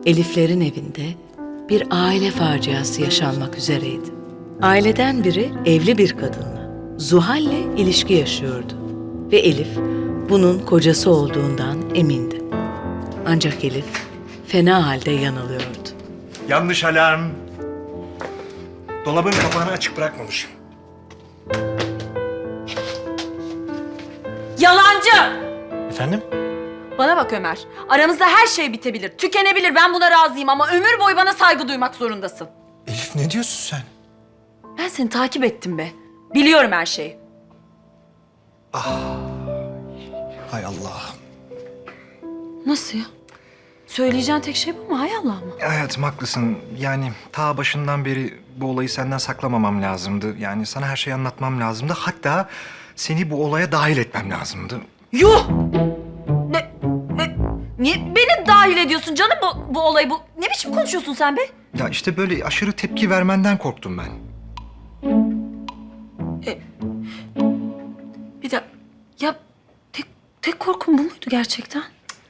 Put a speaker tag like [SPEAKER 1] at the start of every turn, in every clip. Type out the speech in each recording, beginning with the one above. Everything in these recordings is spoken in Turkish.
[SPEAKER 1] Eliflerin evinde bir aile faciası yaşanmak üzereydi. Aileden biri evli bir kadınla, Zuhal'le ilişki yaşıyordu. Ve Elif bunun kocası olduğundan emindi. Ancak Elif fena halde yanılıyordu.
[SPEAKER 2] Yanlış alarm. Dolabın kapağını açık bırakmamışım.
[SPEAKER 3] Yalancı!
[SPEAKER 2] Efendim?
[SPEAKER 3] Bana bak Ömer. Aramızda her şey bitebilir, tükenebilir. Ben buna razıyım ama ömür boyu bana saygı duymak zorundasın.
[SPEAKER 2] Elif ne diyorsun sen?
[SPEAKER 3] Ben seni takip ettim be. Biliyorum her şeyi.
[SPEAKER 2] Hay Allah.
[SPEAKER 3] Nasıl ya? Söyleyeceğin tek şey bu mu? Hay Allah mı?
[SPEAKER 2] Hayatım haklısın. Yani ta başından beri bu olayı senden saklamamam lazımdı. Yani sana her şeyi anlatmam lazımdı. Hatta seni bu olaya dahil etmem lazımdı.
[SPEAKER 3] Yuh! Niye beni dahil ediyorsun canım bu olay bu? Ne biçim konuşuyorsun sen be?
[SPEAKER 2] Ya işte böyle aşırı tepki vermenden korktum ben.
[SPEAKER 3] Bir de ya tek korkum bu muydu gerçekten?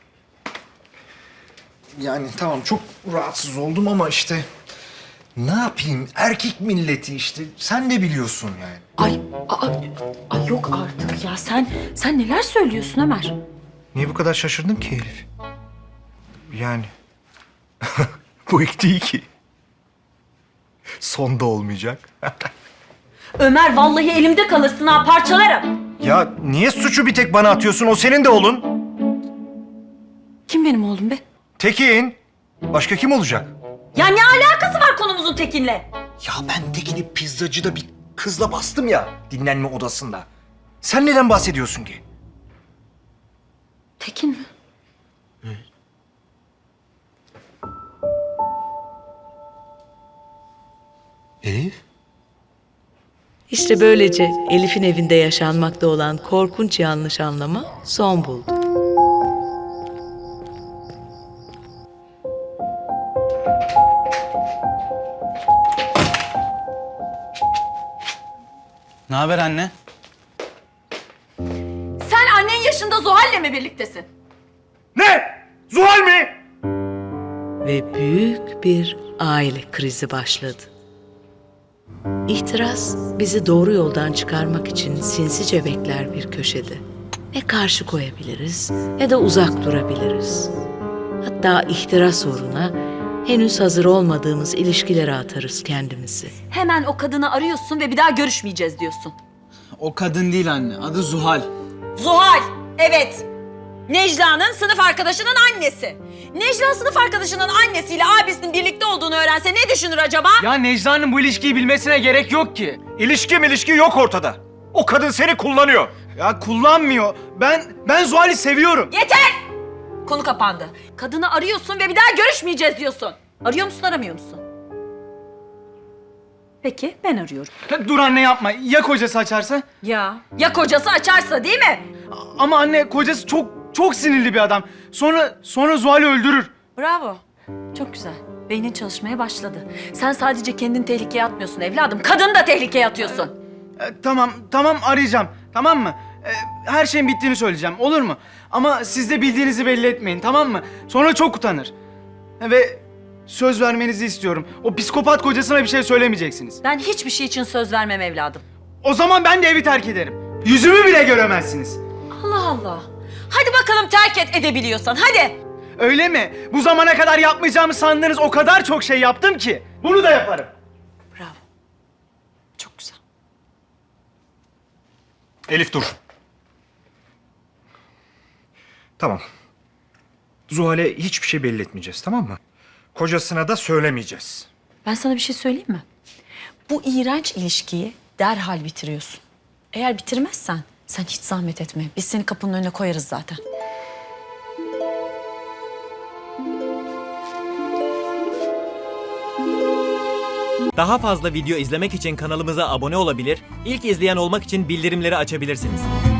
[SPEAKER 2] Yani tamam çok rahatsız oldum ama işte ne yapayım? Erkek milleti işte. Sen de biliyorsun yani.
[SPEAKER 3] Ay yok artık ya. Sen neler söylüyorsun Ömer?
[SPEAKER 2] Niye bu kadar şaşırdın ki Elif? Yani bu ilk değil ki. Son da olmayacak.
[SPEAKER 3] Ömer vallahi elimde kalırsın ha, parçalarım.
[SPEAKER 2] Ya niye suçu bir tek bana atıyorsun? O senin de oğlun.
[SPEAKER 3] Kim benim oğlum be?
[SPEAKER 2] Tekin. Başka kim olacak?
[SPEAKER 3] Ya ne alakası var konumuzun Tekin'le?
[SPEAKER 2] Ya ben Tekin'i pizzacıda bir kızla bastım ya dinlenme odasında. Sen neden bahsediyorsun ki?
[SPEAKER 3] Tekin mi?
[SPEAKER 2] Elif?
[SPEAKER 1] İşte böylece Elif'in evinde yaşanmakta olan korkunç yanlış anlama son buldu.
[SPEAKER 4] Ne haber anne?
[SPEAKER 3] Sen annen yaşında Zuhal'le mi birliktesin?
[SPEAKER 2] Ne? Zuhal mi?
[SPEAKER 1] Ve büyük bir aile krizi başladı. İhtiras bizi doğru yoldan çıkarmak için sinsice bekler bir köşede. Ne karşı koyabiliriz ne de uzak durabiliriz. Hatta ihtiras uğruna henüz hazır olmadığımız ilişkilere atarız kendimizi.
[SPEAKER 3] Hemen o kadını arıyorsun ve bir daha görüşmeyeceğiz diyorsun.
[SPEAKER 4] O kadın değil anne. Adı Zuhal.
[SPEAKER 3] Zuhal, evet. Necla'nın sınıf arkadaşının annesi. Necla sınıf arkadaşının annesiyle abisinin birlikte olduğunu öğrense ne düşünür acaba?
[SPEAKER 4] Ya Necla'nın bu ilişkiyi bilmesine gerek yok ki.
[SPEAKER 2] İlişki yok ortada. O kadın seni kullanıyor.
[SPEAKER 4] Ya kullanmıyor. Ben Zuhal'i seviyorum.
[SPEAKER 3] Yeter! Konu kapandı. Kadını arıyorsun ve bir daha görüşmeyeceğiz diyorsun. Arıyor musun, aramıyor musun? Peki, ben arıyorum.
[SPEAKER 4] Dur anne yapma. Ya kocası açarsa?
[SPEAKER 3] Ya kocası açarsa değil mi?
[SPEAKER 4] Ama anne kocası çok sinirli bir adam. Sonra Zuhal'i öldürür.
[SPEAKER 3] Bravo. Çok güzel. Beynin çalışmaya başladı. Sen sadece kendini tehlikeye atmıyorsun evladım. Kadını da tehlikeye atıyorsun.
[SPEAKER 4] Tamam arayacağım. Tamam mı? Her şeyin bittiğini söyleyeceğim. Olur mu? Ama siz de bildiğinizi belli etmeyin. Tamam mı? Sonra çok utanır. Ve söz vermenizi istiyorum. O psikopat kocasına bir şey söylemeyeceksiniz.
[SPEAKER 3] Ben hiçbir şey için söz vermem evladım.
[SPEAKER 4] O zaman ben de evi terk ederim. Yüzümü bile göremezsiniz.
[SPEAKER 3] Allah Allah. Hadi bakalım terk edebiliyorsan. Hadi.
[SPEAKER 4] Öyle mi? Bu zamana kadar yapmayacağımı sandığınız o kadar çok şey yaptım ki. Bunu da yaparım.
[SPEAKER 3] Bravo. Çok güzel.
[SPEAKER 2] Elif dur. Tamam. Zuhal'e hiçbir şey belli etmeyeceğiz, tamam mı? Kocasına da söylemeyeceğiz.
[SPEAKER 3] Ben sana bir şey söyleyeyim mi? Bu iğrenç ilişkiyi derhal bitiriyorsun. Eğer bitirmezsen sen hiç zahmet etme. Biz seni kapının önüne koyarız zaten.
[SPEAKER 5] Daha fazla video izlemek için kanalımıza abone olabilir, ilk izleyen olmak için bildirimleri açabilirsiniz.